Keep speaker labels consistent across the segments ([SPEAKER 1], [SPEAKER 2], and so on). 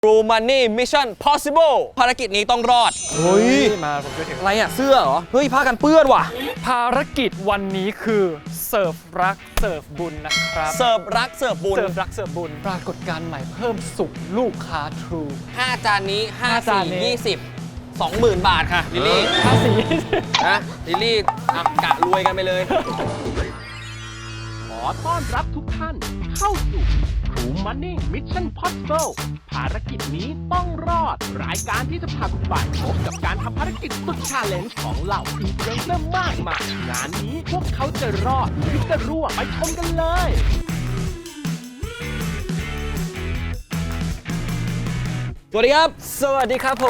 [SPEAKER 1] True Money Mission Possible ภารกิจนี้ต้องรอดเฮ้ย
[SPEAKER 2] มาผมจะถึง
[SPEAKER 1] อะไรอะเสื้อเหรอเฮ้ยผ้ากันเปื้อนว่ะ
[SPEAKER 2] ภารกิจวันนี้คือเสิร์ฟรักเสิร์ฟบุญนะครับ
[SPEAKER 1] เสิร์ฟรักเสิร์ฟบุญ
[SPEAKER 2] เสิร์ฟรักเสิร์ฟบุญปรากฏการณ์ใหม่เพิ่มสุขลูกค้า True
[SPEAKER 1] 5 จานนี้5
[SPEAKER 2] จานนี้
[SPEAKER 1] 4 20 20,000 บาทค่ะลิลลี่
[SPEAKER 2] ภาษี
[SPEAKER 1] นะลิลลี่กะรวยกันไปเลย
[SPEAKER 3] ขอต้อนรับทุกท่านเข้าสู่ True Money Mission Possible ภารกิจนี้ต้องรอดรายการที่จะพาคุณไปพบกับการทำภารกิจสุดชาเลนจ์ของเหล่าอินฟลูเอนเซอร์มากมายงานนี้พวกเขาจะรอดหรือจะรั่วไปชมกันเลย
[SPEAKER 1] สวัสดีครับ
[SPEAKER 2] สวัสดีครับผม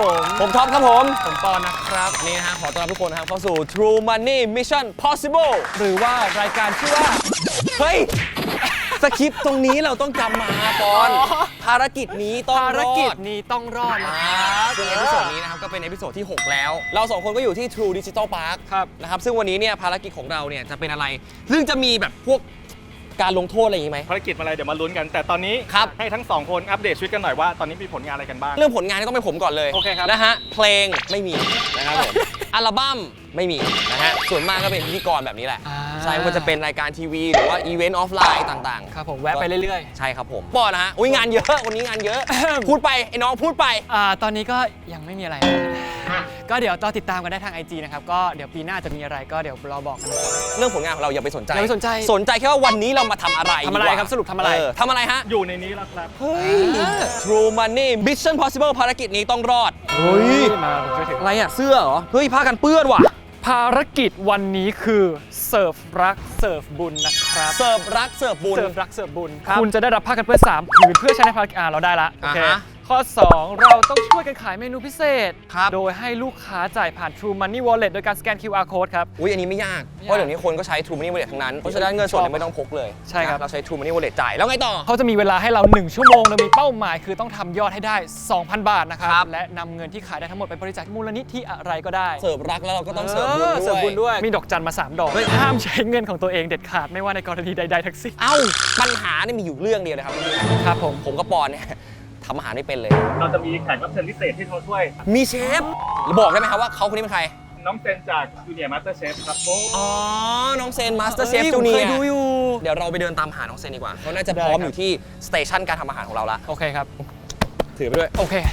[SPEAKER 1] ท็อปครับผม
[SPEAKER 2] ผมปอนนะครับ
[SPEAKER 1] วันนี้นะฮะขอต้อนรับทุกคนนะครับเข้าสู่ True Money Mission Possible
[SPEAKER 2] หรือว่ารายการชื่อว่า
[SPEAKER 1] เฮ้ยสคริปต์ตรงนี้เราต้องจำมาก่อนภารกิจนี้ต้องรอด
[SPEAKER 2] ภารกิจนี้ต้องรอดนะครับ
[SPEAKER 1] ซึ่งเอพิโซดนี้นะครับก็เป็นเอพิโซดที่ 6 แล้ว เรา2คนก็อยู่ที่ True Digital Park
[SPEAKER 2] ครับ
[SPEAKER 1] นะครับซึ่งวันนี้เนี่ยภารกิจของเราเนี่ยจะเป็นอะไร ซึ่งจะมีแบบพวกการลงโทษอะไรอย่างนี้ไหม
[SPEAKER 4] ภารกิจอะไรเดี๋ยวมาลุ้นกัน แต่ตอนนี้
[SPEAKER 1] ครับ
[SPEAKER 4] ให้ทั้งสองคนอัปเดตชีวิตกันหน่อยว่าตอนนี้มีผลงานอะไรกันบ้าง
[SPEAKER 1] เรื่องผลงานนี่ต้องเป็นผมก่อนเลย
[SPEAKER 4] โอเคครับ
[SPEAKER 1] นะฮะเพลงไม่มีนะครับผม อัลบั้มไม่มีนะฮะส่วนมากก็เป็นพิธีกรแบบนี้แหละ
[SPEAKER 2] อ่า
[SPEAKER 1] ใช่ว่าจะเป็นรายการทีวีหรือว่าอีเวนต์ออฟไลน์ต่างๆ
[SPEAKER 2] ครับผมแวะไปเรื่อย
[SPEAKER 1] ใช่ครับผมปอนะฮะอุ้ยงานเยอะวันนี้งานเยอะ พูดไปไอ้น้องพูดไป
[SPEAKER 2] ตอนนี้ก็ยังไม่มีอะไร ก็เดี๋ยวเราติดตามกันได้ทาง IG นะครับก็เดี๋ยวปีหน้าจะมีอะไรก็เดี๋ยวเราบอกกันนะครับ
[SPEAKER 1] เรื่องผลงานของเราอย่าไปสนใจ
[SPEAKER 2] อย่าไปสนใจ
[SPEAKER 1] สนใจแค่ว่าวันนี้เรามาทำอะไร
[SPEAKER 2] ทำอะไร
[SPEAKER 1] ดีกว่า
[SPEAKER 2] ครับสรุปทำอะไร
[SPEAKER 1] ทำอะไรฮะ
[SPEAKER 4] อยู่ในนี้แล้วครับ
[SPEAKER 1] เฮ้ย True Money Mission Possible ภารกิจนี้ต้องรอดเฮ้ย
[SPEAKER 2] มาผมจะถึง
[SPEAKER 1] อะไรอะเสื้อเหรอเฮ้ยผ้ากันเปื้อนว่ะ
[SPEAKER 2] ภารกิจวันนี้คือเสิร์ฟรักเสิร์ฟบุญนะครับ
[SPEAKER 1] เสิร์ฟรักเสิร์ฟบุญ
[SPEAKER 2] เสิร์ฟรักเสิร์ฟบุญ
[SPEAKER 1] ครับ
[SPEAKER 2] คุณจะได้รับผ้ากันเปื้อน3ผืนเพื่อใช้ในภารกิจเราได้ละโอเค
[SPEAKER 1] อ่าฮะ
[SPEAKER 2] ข้อ 2 เราต้องช่วยกันขายเมนูพิเศษ
[SPEAKER 1] ครับ
[SPEAKER 2] โดยให้ลูกค้าจ่ายผ่าน True Money Wallet โดยการสแกน QR Code ครับ
[SPEAKER 1] อุ้ยอันนี้ไม่ยาก เพราะเดี๋ยวนี้คนก็ใช้ True Money Wallet ทั้งนั้น เพราะฉะนั้นเงินสดเนี่ยไม่ต้องพกเลย
[SPEAKER 2] ใช่ครับ
[SPEAKER 1] นะเราใช้ True Money Wallet จ่ายแล้วไงต่อ
[SPEAKER 2] เขาจะมีเวลาให้เรา 1 ชั่วโมงโดยมีเป้าหมายคือต้องทำยอดให้ได้ 2,000 บาทนะครับ
[SPEAKER 1] ครับ
[SPEAKER 2] และนำเงินที่ขายได้ทั้งหมดไปบริจาคมูลนิธิอะไรก็ได้
[SPEAKER 1] เสิร์ฟรักแล้วเราก็ต้องเสิร์ฟบุญ
[SPEAKER 2] เสิร์ฟบุญ
[SPEAKER 1] ด้
[SPEAKER 2] ด้
[SPEAKER 1] ว
[SPEAKER 2] วย ย มีดอกจันมา 3 ดอก
[SPEAKER 1] เฮ้ย
[SPEAKER 2] ห้ามใช้เงินของตัวเองเด็ดขาดไม่ว่าในกรณีใดๆทั้งสิ้น
[SPEAKER 1] เอ้าปัญหานี่มีอยู่เรื่องเดียวนะครับ
[SPEAKER 2] ครับผม
[SPEAKER 1] ผมกับปอนเนี่ยทำอาหารไม่เป็นเลย
[SPEAKER 4] เราจะมีแขกรับเชิญพิเศษที่มาช่วย
[SPEAKER 1] มีเชฟบอกได้ไหมครับว่าเขาคนนี้เป็นใคร
[SPEAKER 4] น้องเซนจากจูเนียร์มาสเตอร์เชฟครับโอ้
[SPEAKER 1] อ๋อ น้องเซนมาสเตอร์เชฟ
[SPEAKER 2] เฮ้ย
[SPEAKER 1] จูเนี
[SPEAKER 2] ผมเค
[SPEAKER 1] ย
[SPEAKER 2] ยดูอยู่
[SPEAKER 1] เดี๋ยวเราไปเดินตามหาน้องเซนดีกว่าเขาน่าจะ
[SPEAKER 2] ได้
[SPEAKER 1] พร้อม
[SPEAKER 2] ครับ
[SPEAKER 1] อยู่ที่สเตชันการทำอาหารของเราละ
[SPEAKER 2] โอเคครับ
[SPEAKER 1] ถือไปด้วย
[SPEAKER 2] โอเค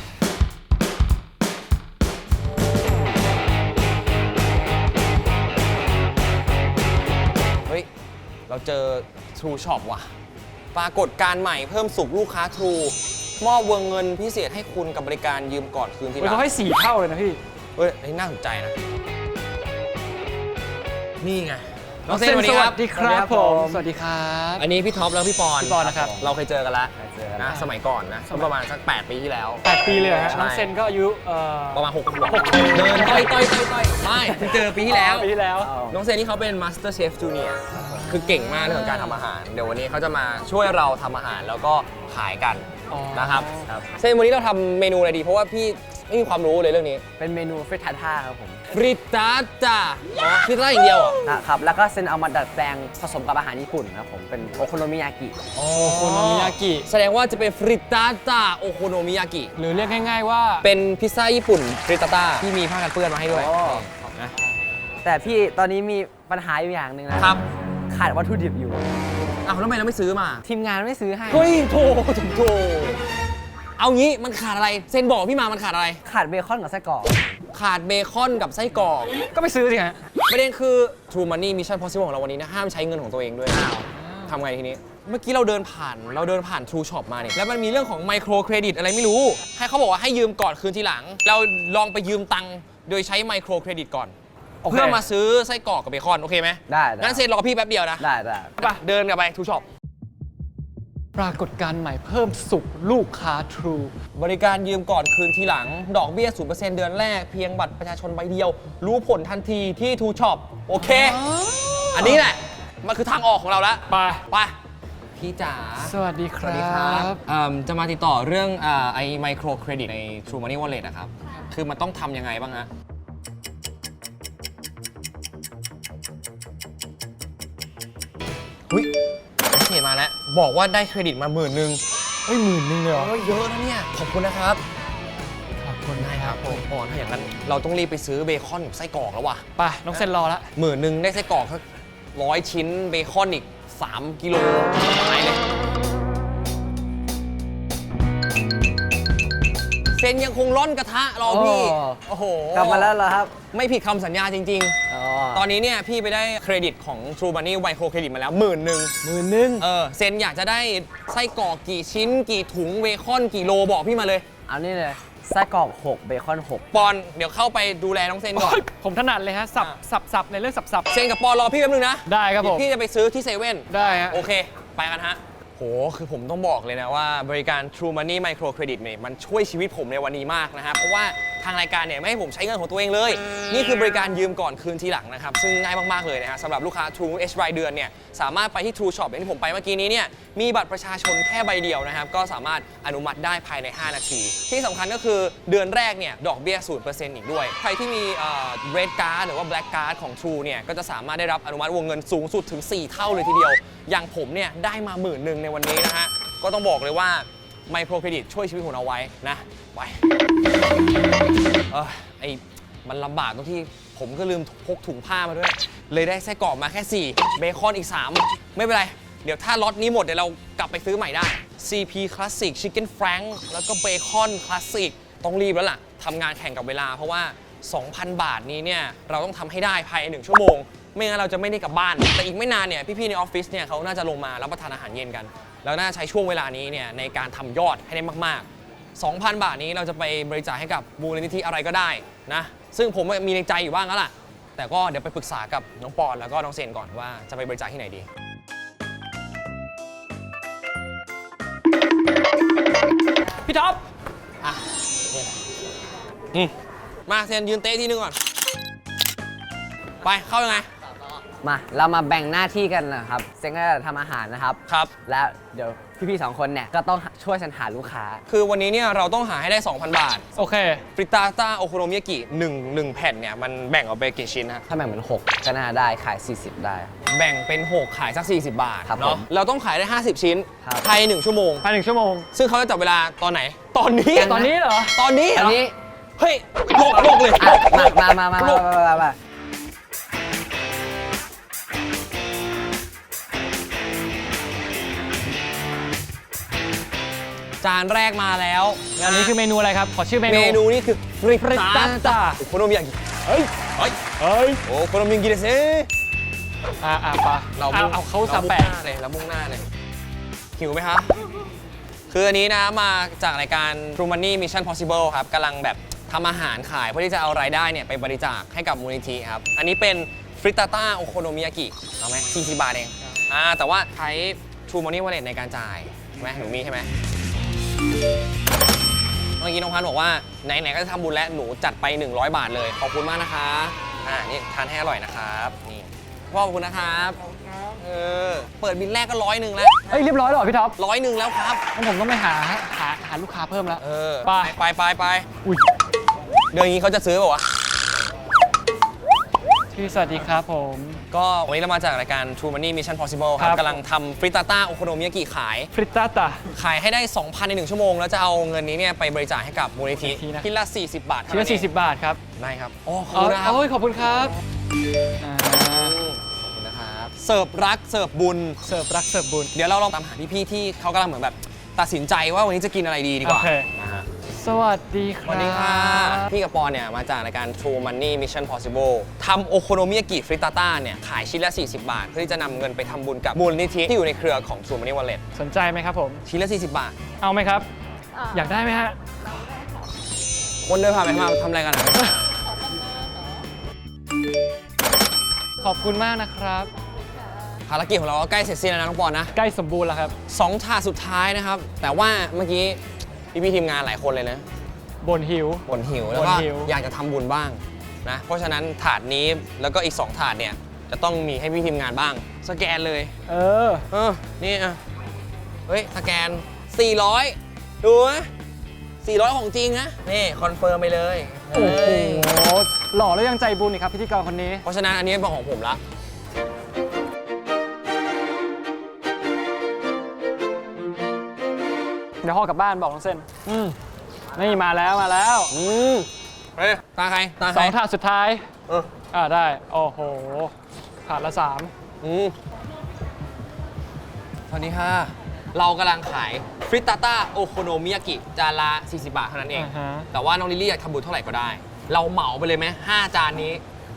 [SPEAKER 1] เฮ้ย เราเจอ True Shop ว่ะ ปรากฏการณ์ใหม่เพิ่มสุขลูกค้า True มอบวงเงินพิเศษให้คุณกับบริการยืมก่อนคืนทีหลัง
[SPEAKER 2] เขาให้4 เท่าเลยนะพี่
[SPEAKER 1] เฮ้ยอันนี้น่าสนใจนะ นี่ไง น้องเซนสวัสดีครับ
[SPEAKER 2] สวัสดีครับผม สวัสดีครับ
[SPEAKER 1] อันนี้พี่ท็อปแล้วพี่ปอน
[SPEAKER 2] พี่ปอนนะครับ
[SPEAKER 1] เราเคยเจอกันแล้ว
[SPEAKER 5] เจอกัน
[SPEAKER 1] นะสมัยก่อนนะก็ประมาณสัก 8 ปีที่แล้ว
[SPEAKER 2] 8 ปีเลยเหรอฮะ
[SPEAKER 1] ใช่
[SPEAKER 2] น้องเซนก็อายุ
[SPEAKER 1] ประมาณ6 ขวบเดินต่อยไม่เพิ่งเจอปีที่แล้ว
[SPEAKER 2] ปีที่แล้ว
[SPEAKER 1] น้องเซนนี่เขาเป็น Master Chef Junior คือเก่งมากในเรื่องของการทำอาหาร เดี๋ยววันนี้เขาจะมาช่วยเราทำอาหารแล้วก็ขายกัน
[SPEAKER 2] อ๋อ
[SPEAKER 1] นะครับเซนวันนี้เราทำเมนูอะไรดี เพราะว่าพี่ไม่มีความรู้เลยเรื่องนี้
[SPEAKER 5] เป็นเมนูเฟรทาท่าครับผม
[SPEAKER 1] ฟริตาจ้าฟริตาอย่างเดียวเหรอ
[SPEAKER 5] นะครับแล้วก็เซนเอามาดัดแปลงผสมกับอาหารญี่ปุ่นครับผมเป็นโอโคโนมิยากิ
[SPEAKER 1] โอ
[SPEAKER 2] โคโนมิยากิ
[SPEAKER 1] แสดงว่าจะเป็นฟริตาจ้าโอโคโนมิยากิ
[SPEAKER 2] หรือเรียกง่ายๆว่า
[SPEAKER 1] เป็นพิซซ่าญี่ปุ่นฟริตาต้าที่มีผ้ากันเปื้อนมาให้ด้วย
[SPEAKER 5] โอ้
[SPEAKER 1] นะ
[SPEAKER 5] แต่พี่ตอนนี้มีปัญหาอยู่อย่างหนึ่งนะครับ ขาดวัตถุดิบอยู่
[SPEAKER 1] อ้าวแล้วทำไมเราไม่ซื้อมา
[SPEAKER 5] ทีมงานไม่ซื้อให้
[SPEAKER 1] เฮ้ยโถเอางี้มันขาดอะไร เซนบอกพี่มามันขาดอะไร
[SPEAKER 5] ขาดเบคอนกับไส้กรอก
[SPEAKER 1] ขาดเบคอนกับไส้กรอก
[SPEAKER 2] ก็ไปซื้อสิฮะ
[SPEAKER 1] ประเด็นคือ True Money Mission Possible ของเราวันนี้นะห้ามใช้เงินของตัวเองด้วยทำไงทีนี้ เมื่อกี้เราเดินผ่าน True Shop มาเนี่ยแล้วมันมีเรื่องของไมโครเครดิตอะไรไม่รู้ ให้เขาบอกว่าให้ยืมก่อนคืนทีหลัง เราลองไปยืมตังค์โดยใช้ไมโครเครดิตก่อน
[SPEAKER 5] โอเค
[SPEAKER 1] เพื่อมาซื้อไส้กรอกกับเบคอนโอเคไหม
[SPEAKER 5] ได้
[SPEAKER 1] งั้นเซนรอกับพี่แป๊บเดียวนะ
[SPEAKER 5] ได้
[SPEAKER 1] ไปเดินกลับไป True Shop
[SPEAKER 2] ปรากฏการณ์ใหม่เพิ่มสุขลูกค้า True
[SPEAKER 1] บริการยืมก่อนคืนทีหลัง ดอกเบี้ย 0% เดือนแรกเพียงบัตรประชาชนใบเดียว รู้ผลทันทีที่ True Shop โอเค อันนี้แหละ มันคือทางออกของเราแล้ว
[SPEAKER 2] ไป
[SPEAKER 1] ไป พี่จ๋า
[SPEAKER 2] สวัสดีค
[SPEAKER 1] สวัสดี
[SPEAKER 2] รั
[SPEAKER 1] ครับ บจะมาติดต่อเรื่องไอ้ไมโครเครดิตใน True Money Wallet นะครับ คือมันต้องทำยังไงบ้างฮะ หุ้ยโอเคมาแล้ว บอกว่าได้เครดิตมา10,000
[SPEAKER 2] เฮ้ย10,000เลยเหรอ
[SPEAKER 1] โอ้ยเยอะนะเนี่ย ขอบคุณนะครับ
[SPEAKER 2] ขอบคุณ
[SPEAKER 1] ได้ครับผมปอนถ้าอย่างนั้นเราต้องรีบไปซื้อเบคอนกับไส้กรอกแล้วว่ะ
[SPEAKER 2] ไปน้องเซนรอละ
[SPEAKER 1] 10,000ได้ไส้กรอกสัก100 ชิ้นเบคอนอีก3 กิโลสบายเลยเซนยังคงร่อนกระทะรอพี่ โอ้โห
[SPEAKER 5] กลับมาแล้วเหรอครับ
[SPEAKER 1] ไม่ผิดคำสัญญาจริง
[SPEAKER 5] อ๋อ
[SPEAKER 1] ๆ ตอนนี้เนี่ยพี่ไปได้เครดิตของ True Money ไมโครเครดิตมาแล้ว10,000
[SPEAKER 5] 10,000
[SPEAKER 1] เซนอยากจะได้ไส้กรอกกี่ชิ้น กี่ถุงเบคอนกี่โลบอกพี่มาเลย
[SPEAKER 5] เอานี่เลยไส้กรอก6เบคอน6
[SPEAKER 1] ปอนเดี๋ยวเข้าไปดูแลน้องเซนก่อน
[SPEAKER 2] ผมถนัดเลยฮะสับในเรื่องสับ
[SPEAKER 1] เซนกับปอนรอพี่แป๊บนึงนะ
[SPEAKER 2] ได้ครับผม
[SPEAKER 1] พี่จะไปซื้อที่เซเว่น
[SPEAKER 2] ได้ฮะ
[SPEAKER 1] โอเค ไปกันฮะ โห คือผมต้องบอกเลยนะว่าบริการ True Money Micro Credit เนี่ยมันช่วยชีวิตผมในวันนี้มากนะครับ เพราะว่าทางรายการเนี่ยไม่ให้ผมใช้เงินของตัวเองเลย นี่คือบริการยืมก่อนคืนทีหลังนะครับ ซึ่งง่ายมาก ๆ เลยนะฮะสำหรับลูกค้า True H รายเดือนเนี่ยสามารถไปที่ True Shop อย่างที่ผมไปเมื่อกี้นี้เนี่ยมีบัตรประชาชนแค่ใบเดียวนะครับ ก็สามารถอนุมัติได้ภายใน 5 นาที ที่สำคัญก็คือเดือนแรกเนี่ยดอกเบี้ย 0% อีกด้วย ใครที่มีRed Card หรือว่า Black Card ของ True เนี่ยก็จะสามารถได้รับอนุมัติวงเงินสูงสุดถึง 4 เท่าเลยทีเดียว อย่างผมเนี่ยได้มา10,000ในวันนี้นะฮะ ก็ต้องบอกเลยว่าไมโครเครดิตช่วยชีวิตผมเอาไว้นะไปมันลำบากตรงที่ผมก็ลืมพกถุงผ้ามาด้วย เลยได้ไส้กรอกมาแค่ 4 เบคอนอีก 3 ไม่เป็นไร เดี๋ยวถ้าล็อตนี้หมดเดี๋ยวเรากลับไปซื้อใหม่ได้ CP Classic Chicken Frank แล้วก็เบคอน Classic ต้องรีบแล้วล่ะทำงานแข่งกับเวลาเพราะว่า 2,000 บาทนี้เนี่ยเราต้องทำให้ได้ภายใน1 ชั่วโมง ไม่งั้นเราจะไม่ได้กลับบ้าน แต่อีกไม่นานเนี่ยพี่ๆในออฟฟิศเนี่ยเขาน่าจะลงมารับประทานอาหารเย็นกัน แล้วน่าใช้ช่วงเวลานี้เนี่ยในการทำยอดให้ได้มากๆ 2,000 บาทนี้เราจะไปบริจาคให้กับมูลนิธิอะไรก็ได้นะซึ่งผมมีในใจอยู่บ้างแล้วล่ะแต่ก็เดี๋ยวไปปรึกษากับน้องปอนแล้วก็น้องเซนก่อนว่าจะไปบริจาคที่ไหนดีพี่ท็อปอ่ะมาเซนยืนเต้ที่นึงก่อนไปเข้ายังไง
[SPEAKER 5] มาเรามาแบ่งหน้าที่กันนะครับเซนก็จะทำอาหารนะครับ
[SPEAKER 1] ครับ
[SPEAKER 5] แล้วเดี๋ยวพี่ๆ2 คนเนี่ยก็ต้องช่วยฉันหาลูกค้า
[SPEAKER 1] คือวันนี้เนี่ยเราต้องหาให้ได้ 2,000 บาท
[SPEAKER 2] โอเค
[SPEAKER 1] ฟริตาต้าโอโคโนมิยากิ1แผ่นเนี่ยมันแบ่งออกไปกี่ชิ้นฮะ
[SPEAKER 5] ถ้าแบ่งเป็น6ก็น่าได้ขาย 40 ได้
[SPEAKER 1] แบ่งเป็น 6 ขายสัก 40 บาท
[SPEAKER 5] ครับ
[SPEAKER 1] เนาะ
[SPEAKER 5] ผม
[SPEAKER 1] เราต้องขายได้ 50 ชิ้น
[SPEAKER 5] ครับ
[SPEAKER 1] ภายใน1 ชั่วโมง
[SPEAKER 2] ภายใน1 ชั่วโมง
[SPEAKER 1] ซึ่งเขาจะจับเวลาตอนไหน ตอนนี้
[SPEAKER 2] ตอนนี้เหรอ
[SPEAKER 1] ตอนนี้เหร
[SPEAKER 5] อัน
[SPEAKER 1] อ
[SPEAKER 5] นี้
[SPEAKER 1] เฮ้ยโลกเลย
[SPEAKER 5] อ่ะ
[SPEAKER 1] โลก
[SPEAKER 5] มา
[SPEAKER 1] จานแรกมาแล้ว
[SPEAKER 2] อันนี้คือเมนูอะไรครับ ขอชื่อเมนู
[SPEAKER 1] เมนูนี่คือฟริ
[SPEAKER 2] ฟริตาต้า
[SPEAKER 1] โอโคโนมิยากิเฮ้ยโอโคโนมิยากิเดเซ่
[SPEAKER 2] ปะ
[SPEAKER 1] เรา
[SPEAKER 2] เอาเขาสาแปะ
[SPEAKER 1] เรามุ่งหน้าเลยหิวไหมครับ คืออันนี้นะมาจากรายการ True Money Mission Possible ครับกำลังแบบทำอาหารขายเพื่อที่จะเอารายได้เนี่ยไปบริจาคให้กับมูลนิธิครับ อันนี้เป็นฟริตาต้าโอโคโนมิยากิเอาไหม40 บาทเองแต่ว่าใช้ True Money Wallet ในการจ่ายใช่ไหมหนูมีใช่ไหมเมื่อกี้น้องพันธ์บอกว่าไหนๆก็จะทำบุญแล้วหนูจัดไป100 บาทเลยขอบคุณมากนะคะนี่ทานให้อร่อยนะครับนี่พ่อขอบคุณนะครับเปิดบินแรกก็100แล้ว
[SPEAKER 2] เอ้ยเรียบร้อยแล้วเหรอพี่ท็อป
[SPEAKER 1] 100แล้วครับ
[SPEAKER 2] งั้นผมต้องไปหาลูกค้าเพิ่มแล้ว
[SPEAKER 1] ไป
[SPEAKER 2] ไป
[SPEAKER 1] อุ้ยเดี๋ยวอย่างนี้เขาจะซื้อเปล่าวะ
[SPEAKER 2] สวัสดีครับผม
[SPEAKER 1] ก็วันนี้เรามาจากรายการ True Money Mission Possible ค
[SPEAKER 2] ครั
[SPEAKER 1] รับบ กำลังทำฟริตาต้าโอโคโนมิยากิขาย
[SPEAKER 2] ฟริตาต้า
[SPEAKER 1] ขายให้ได้ 2,000 ใน 1 ชั่วโมง แล้วจะเอาเงินนี้เนี่ยไปบริจาคให้กับมูลนิธิ
[SPEAKER 2] มูลนิธินะ
[SPEAKER 1] ที่ละ 40 บาท
[SPEAKER 2] ชิ้นละ40 บาทครับ
[SPEAKER 1] ได้ครับโอ้ขอบคุณนะครับ
[SPEAKER 2] โอ้ยขอบคุณครับอ่า
[SPEAKER 1] ขอบคุณนะครับเสิร์ฟรักเสิร์ฟบุญ
[SPEAKER 2] เสิร์ฟรักเสิร์ฟบุญ
[SPEAKER 1] เดี๋ยวเราลองตามหาพี่ๆที่เขากำลังเหมือนแบบตัดสินใจว่าวันนี้จะกินอะไรดีกว่า
[SPEAKER 2] โอเค
[SPEAKER 1] นะฮะ
[SPEAKER 2] สวัสดีค
[SPEAKER 1] ส
[SPEAKER 2] รับ
[SPEAKER 1] วัสดีค่ะ พี่กับปอนเนี่ยมาจากรายการ True Money Mission Possible ทำโอโคโนมิยากิฟริตาต้าเนี่ยขายชิ้นละ 40 บาท เพื่อที่จะนำเงินไปทำบุญกับมูลนิธิที่อยู่ในเครือของ True Money Wallet
[SPEAKER 2] สนใจไหมครับผม
[SPEAKER 1] ชิ้นละ 40 บาท
[SPEAKER 2] เอาไหมครับ อยากได้ไหมฮะ
[SPEAKER 1] คนเดินผ่านไปมาทำอะไรกันอะ
[SPEAKER 2] ขอบคุณมากนะครับ
[SPEAKER 1] ภารกิจของเราก็ใกล้เสร็จสิ้นแล้วนะน้องปอนนะ
[SPEAKER 2] ใกล้สมบูรณ์แล้วครับ
[SPEAKER 1] 2 ถาดสุดท้ายนะครับ แต่ว่าเมื่อกี้พี่ๆทีมงานหลายคนเลยนะ
[SPEAKER 2] บ่นหิว
[SPEAKER 1] บ่นหิวแล้วก็
[SPEAKER 2] บ่นหิว
[SPEAKER 1] อยากจะทำบุญบ้างนะ เพราะฉะนั้นถาดนี้แล้วก็อีก 2 ถาดเนี่ยจะต้องมีให้พี่ทีมงานบ้าง สแกนเลย นี่อ่ะเฮ้ย สแกน 400 ดูนะ400 ของจริงนะ นี่ คอนเฟิร์มไปเลย
[SPEAKER 2] โอ้โห
[SPEAKER 1] เฮ้ย
[SPEAKER 2] หล่อแล้วยังใจบุญอีกครับพิธีกรคนนี้
[SPEAKER 1] เพราะฉะนั้นอันนี้เป็นของผมละ
[SPEAKER 2] ดี๋ยวห่อกลับบ้านบอกน้องเส้นนี่มาแล้ว
[SPEAKER 1] เฮ้ยตาใครตาใคร
[SPEAKER 2] 2 ถาดสุดท้าย ได้ โอ้โห ถาดละ 3
[SPEAKER 1] สวัสดีค่ะ เรากำลังขายฟริตตาต้าโอโคโนมิยากิจานละ40 บาทเท่านั้นเอง
[SPEAKER 2] อ่าฮะ
[SPEAKER 1] แต่ว่าน้องลิลลี่อยากทำบุญเท่าไหร่ก็ได้ เราเหมาไปเลยไหม5 จานนี้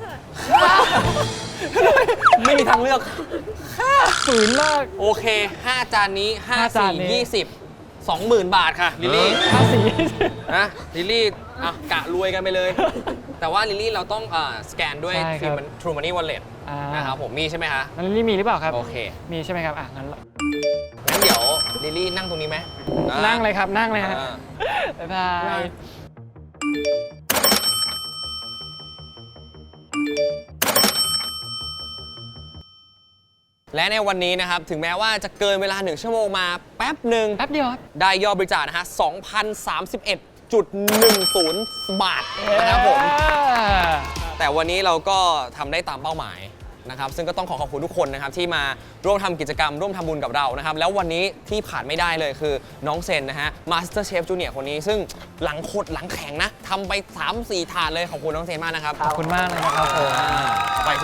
[SPEAKER 1] ไม่มีทางเลือก
[SPEAKER 2] ฝืนมาก
[SPEAKER 1] โอเค 5 จานนี้
[SPEAKER 2] 5 จานนี้
[SPEAKER 1] 5 4 20 20,000 บาทค่ะลิลลี่
[SPEAKER 2] ภาษี
[SPEAKER 1] นะลิลลี่อ่ะกะรวยกันไปเลย แต่ว่าลิลลี่เราต้องสแกนด้วย
[SPEAKER 2] ใช่ครับ
[SPEAKER 1] True Money Wallet นะครับผมมีใช่ไหมคะ
[SPEAKER 2] นั่นนี่มีหรือเปล่าครับ
[SPEAKER 1] โอเค
[SPEAKER 2] มีใช่ไหมครับ งั้น
[SPEAKER 1] งั้นเดี๋ยวลิลลี่นั่งตรงนี้ไหม
[SPEAKER 2] นั่งเลยครับ นั่งเลยฮะ
[SPEAKER 1] อ่า
[SPEAKER 2] บ๊ายบาย
[SPEAKER 1] และในวันนี้นะครับ ถึงแม้ว่าจะเกินเวลา 1 ชั่วโมงมาแป๊บหนึ่ง
[SPEAKER 2] แป๊บเดียวครับ
[SPEAKER 1] ได้ยอดบริจาคนะฮะ 2,031.10 บาทนะครับผม แต่วันนี้เราก็ทำได้ตามเป้าหมายนะครับ ซึ่งก็ต้องขอบคุณทุกคนนะครับที่มาร่วมทำกิจกรรมร่วมทำบุญกับเรานะครับ แล้ววันนี้ที่ผ่านไม่ได้เลยคือน้องเซนนะฮะ Master Chef Junior คนนี้ ซึ่งหลังขดหลังแข็งนะทำไป 3-4 ถาดเลยขอบคุณน้องเซนมากนะครับ
[SPEAKER 2] ขอบคุณมากเลยนะครับผม
[SPEAKER 1] ไปสิ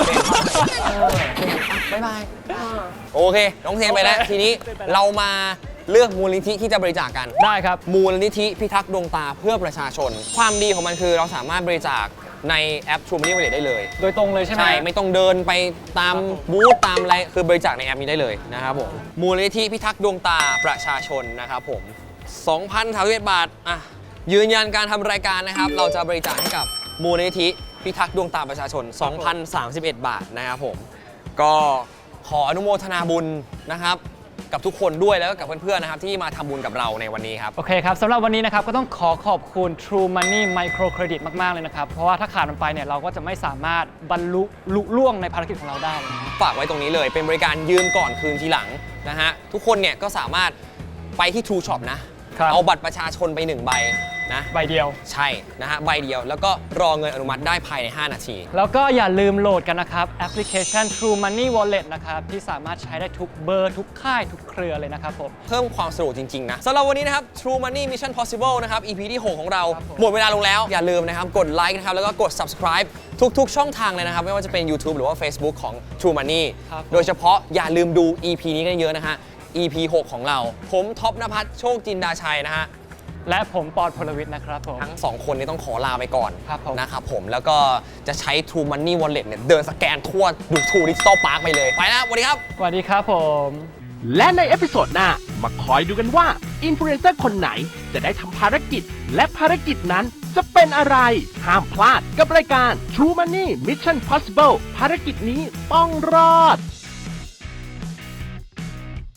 [SPEAKER 1] บ๊ายบาย โอเค น้องเซนไปแล้ว ทีนี้เรามาเลือกมูลนิธิที่จะบริจาคกัน
[SPEAKER 2] ได้ครับ
[SPEAKER 1] มูลนิธิพิทักษ์ดวงตาเพื่อประชาชน ความดีของมันคือเราสามารถบริจาคในแอป True Money Wallet ได้เลย
[SPEAKER 2] โดยตรงเลยใช่ไหม
[SPEAKER 1] ใช่ ไม่ต้องเดินไปตามบูธตามอะไร คือบริจาคในแอปนี้ได้เลยนะครับผม มูลนิธิพิทักษ์ดวงตาประชาชนนะครับผม 2,031 บาท ยืนยันการทำรายการนะครับ เราจะบริจาคให้กับมูลนิธิพิทักษ์ดวงตาประชาชน 2,031 บาทนะครับผม ก็ขออนุโมทนาบุญนะครับกับทุกคนด้วยแล้วก็กับเพื่อนๆนะครับที่มาทำบุญกับเราในวันนี้ครับ
[SPEAKER 2] โอเคครับสำหรับวันนี้นะครับก็ต้องขอบคุณ True Money Micro Credit มาก ๆ เลยนะครับ เพราะว่าถ้าขาดมันไปเนี่ยเราก็จะไม่สามารถบรรลุลุล่วงในภารกิจของเราได้เลยนะ
[SPEAKER 1] ฝากไว้ตรงนี้เลยเป็นบริการยืมก่อนคืนทีหลังนะฮะทุกคนเนี่ยก็สามารถไปที่ True Shop นะ
[SPEAKER 2] ครับ
[SPEAKER 1] เอาบัตรประชาชนไป1 ใบนะ
[SPEAKER 2] ใบเดียว
[SPEAKER 1] ใช่นะฮะใบเดียวแล้วก็รอเงินอนุมัติได้ภายใน 5 นาที
[SPEAKER 2] แล้วก็อย่าลืมโหลดกันนะครับแอปพลิเคชัน True Money Wallet นะครับที่สามารถใช้ได้ทุกเบอร์ทุกค่ายทุกเครือเลยนะครับผม
[SPEAKER 1] เพิ่มความสะดวกจริง ๆ นะสำหรับวันนี้นะครับ True Money Mission Possible นะครับ EP ที่ 6 ของเรา
[SPEAKER 2] ครับผม
[SPEAKER 1] หมดเวลาลงแล้ว อย่าลืมนะครับ กดไลค์นะครับ แล้วก็กด subscribe ทุก ๆ ช่องทางเลยนะครับ ไม่ว่าจะเป็น YouTube หรือว่า Facebook ของ True Money
[SPEAKER 2] ครับผม
[SPEAKER 1] โดยเฉพาะอย่าลืมดู EP นี้กันเยอะนะฮะ EP 6 ของเรา ผมท็อปนภัสโชคจินดาชัยนะฮะ
[SPEAKER 2] และผมปอดพลวิทย์นะครับผม
[SPEAKER 1] ทั้ง 2 คนนี้ต้องขอลาไปก่อน
[SPEAKER 2] ครับผม
[SPEAKER 1] นะครับผมแล้วก็จะใช้ True Money Wallet เนี่ยเดินสแกนทั่วดู True Digital Park ไปเลย ไปแล้วสวัสดีครับ
[SPEAKER 2] สวัสดีครับผม
[SPEAKER 3] และในเอพิโซดหน้ามาคอยดูกันว่าอินฟลูเอนเซอร์คนไหนจะได้ทำภารกิจ และภารกิจนั้นจะเป็นอะไร ห้ามพลาดกับรายการ True Money Mission Possible ภารกิจนี้ต้องรอด